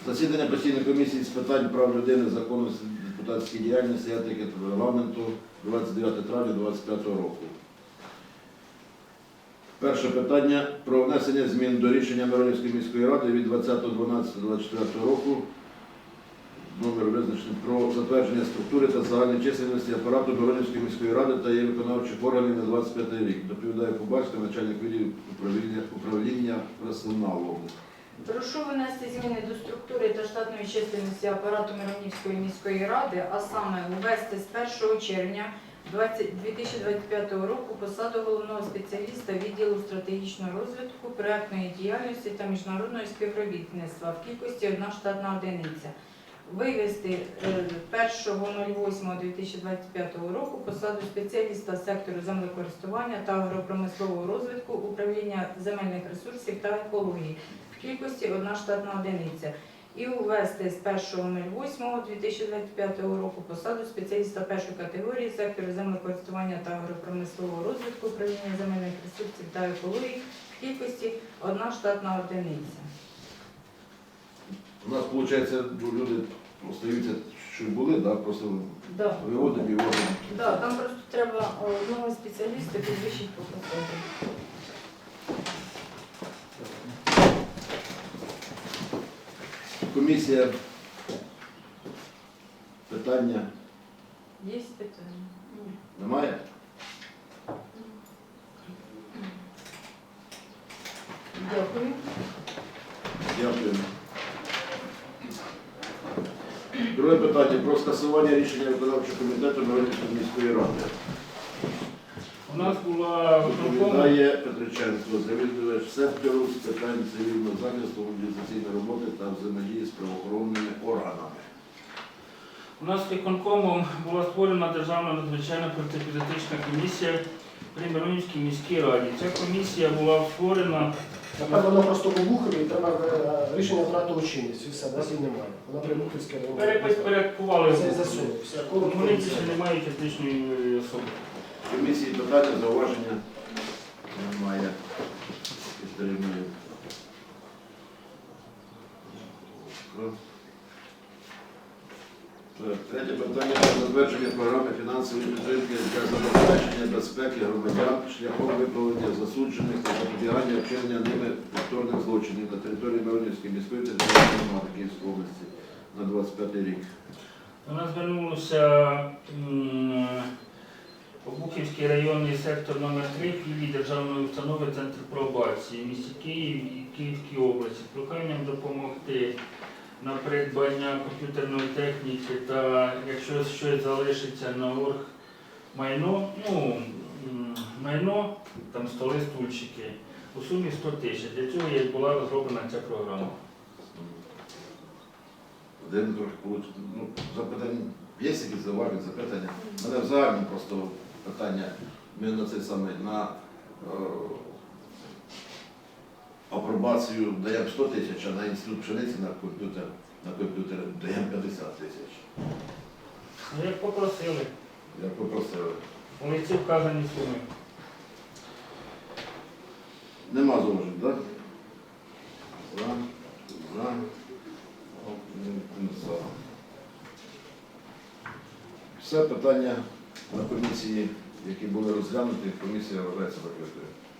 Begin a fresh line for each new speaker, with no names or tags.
Засідання постійної комісії з питань прав людини, законності, депутатської діяльності, етики та регламенту 29 травня 2025 року. Перше питання про внесення змін до рішення Миронівської міської ради від 20.12.24 року номер визначений про затвердження структури та загальної чисельності апарату Миронівської міської ради та її виконавчих органів на 25 рік. Доповідає Кубальська, начальник відділу управління персоналу.
Прошу внести зміни до структури та штатної чисельності апарату Миронівської міської ради, а саме ввести з 1 червня 2025 року посаду головного спеціаліста відділу стратегічного розвитку, проектної діяльності та міжнародного співробітництва в кількості 1 штатна одиниця. Вивести 1.08.2025 року посаду спеціаліста сектору землекористування та агропромислового розвитку, управління земельних ресурсів та екології в кількості 1 штатна одиниця. І ввести з 1.08.2025 року посаду спеціаліста першої категорії сектору землекористування та агропромислового розвитку, управління земельних ресурсів та екології в кількості 1 штатна одиниця.
У нас, виходить, люди остаються, що були, да? Просто виводимо і вводимо.
Так, там просто треба одного спеціаліста підвищити по посаді.
Комісія. Питання
Є питання?
немає?
Дякую.
Дякую. Друге питання про скасування рішення виконавчого комітету Миронівської міської ради.
У нас була
Доповідає Петриченко, завідувач сектору з питань цивільного захисту, мобілізаційної роботи та взаємодії з правоохоронними органами.
у нас виконкомом була створена Державна надзвичайна протиепізотична комісія при Миронівській міській раді. Ця комісія була створена.
Тепер воно просто у Бухові, і треба рішення втратило чинність, і все, нас її немає. Вона при Бухівській районі.
Перекували.
Це засунувся.
Вони більше не мають етичної особи.
Комісії питання, зауваження немає. Підтримує. Третє питання про затвердження програми фінансової підтримки для забезпечення безпеки громадян шляхом виправлення засуджених та запобігання вчинення ними повторних злочинів на території Миронівської міської територіальної громади Київської області на 25 рік.
До нас звернулося Обухівський районний сектор номер 3 філії Державної установи Центр пробації в місті Київ і Київській області з проханням допомогти на придбання комп'ютерної техніки та якщо щось залишиться на оргмайно, майно, там столи, стульчики, у сумі 100 тисяч. Для цього і була розроблена ця програма.
Один трохи получить. Запитання, є якісь зауваження, запитання? У мене в загальному просто питання, ми на цей самий, на апробацію даємо 100 тисяч, а на інститут пшениці на комп'ютер даємо 50 тисяч.
Як попросили,
Як попросили.
у лиці вказані суми.
Нема зауважень, так? За. Все питання на комісії, які були розглянуті, комісія вважається закритою.